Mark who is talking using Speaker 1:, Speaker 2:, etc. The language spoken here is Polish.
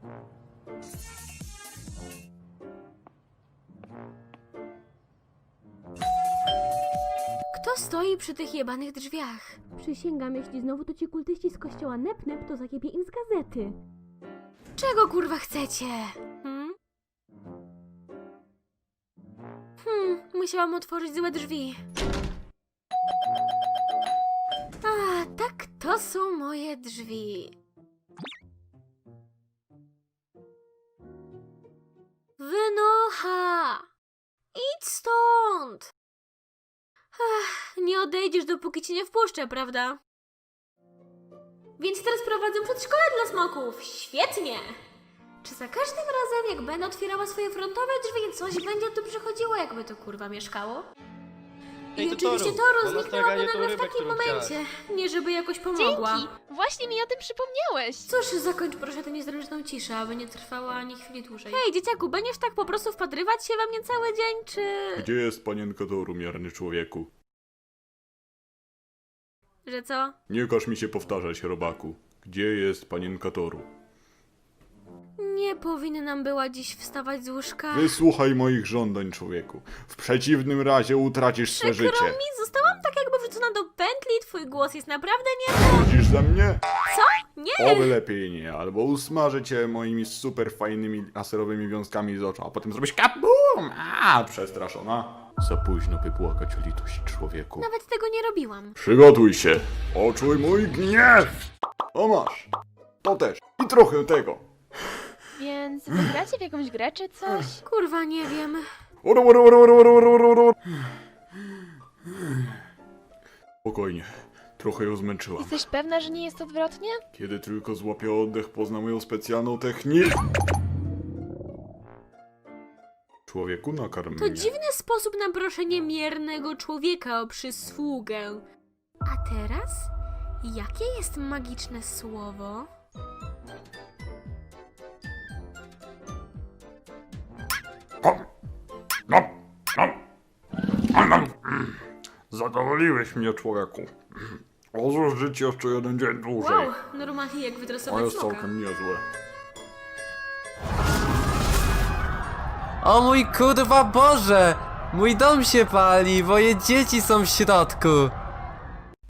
Speaker 1: Kto stoi przy tych jebanych drzwiach?
Speaker 2: Przysięgam, jeśli znowu to ci kultyści z kościoła Nep-Nep, to zakiepie im z gazety.
Speaker 1: Czego kurwa chcecie? Musiałam otworzyć złe drzwi. A, tak, to są moje drzwi. Wynocha! Idź stąd! Ach, nie odejdziesz, dopóki cię nie wpuszczę, prawda? Więc teraz prowadzę przedszkole dla smoków. Świetnie! Czy za każdym razem, jak będę otwierała swoje frontowe drzwi, coś będzie tu przychodziło, jakby to kurwa mieszkało? I oczywiście Toru zniknęłaby nagle w takim momencie. Nie żeby jakoś pomogła.
Speaker 3: Dzięki! Właśnie mi o tym przypomniałeś.
Speaker 1: Cóż, zakończ proszę tę niezręczną ciszę, aby nie trwała ani chwili dłużej. Hej, dzieciaku, będziesz tak po prostu wpatrywać się we mnie cały dzień, czy...
Speaker 4: Gdzie jest panienka Toru, mierny człowieku?
Speaker 1: Że co?
Speaker 4: Nie każ mi się powtarzać, robaku. Gdzie jest panienka Toru?
Speaker 1: Nie powinnam była dziś wstawać z łóżka.
Speaker 4: Wysłuchaj moich żądań, człowieku. W przeciwnym razie utracisz swe
Speaker 1: Przykro
Speaker 4: życie.
Speaker 1: mi, zostałam tak jakby wrzucona do pętli, twój głos jest naprawdę nie...
Speaker 4: Chodzisz ze mnie?
Speaker 1: Co? Nie!
Speaker 4: Oby lepiej nie, albo usmażę cię moimi super fajnymi laserowymi wiązkami z oczu, a potem zrobisz kabum! Przestraszona. Za późno by błagać o litość, człowieku.
Speaker 1: Nawet tego nie robiłam.
Speaker 4: Przygotuj się. Poczuj mój gniew! O masz. To też. I trochę tego.
Speaker 3: Więc wygracie w jakąś grę czy coś?
Speaker 1: Kurwa, nie wiem.
Speaker 4: Spokojnie. Trochę ją zmęczyłam.
Speaker 3: Jesteś pewna, że nie jest odwrotnie?
Speaker 4: Kiedy tylko złapię oddech, pozna moją specjalną technikę. Człowieku, nakarm
Speaker 1: To
Speaker 4: mnie.
Speaker 1: dziwny sposób na proszenie miernego człowieka o przysługę. A teraz? Jakie jest magiczne słowo?
Speaker 4: Zadowoliłeś mnie, człowieku. Odłóż życie jeszcze jeden dzień dłużej.
Speaker 1: Wow, normalnie jak
Speaker 4: To
Speaker 1: wytresować
Speaker 4: jest
Speaker 1: smoka.
Speaker 4: całkiem niezłe.
Speaker 5: O mój kurwa Boże! Mój dom się pali, moje dzieci są w środku!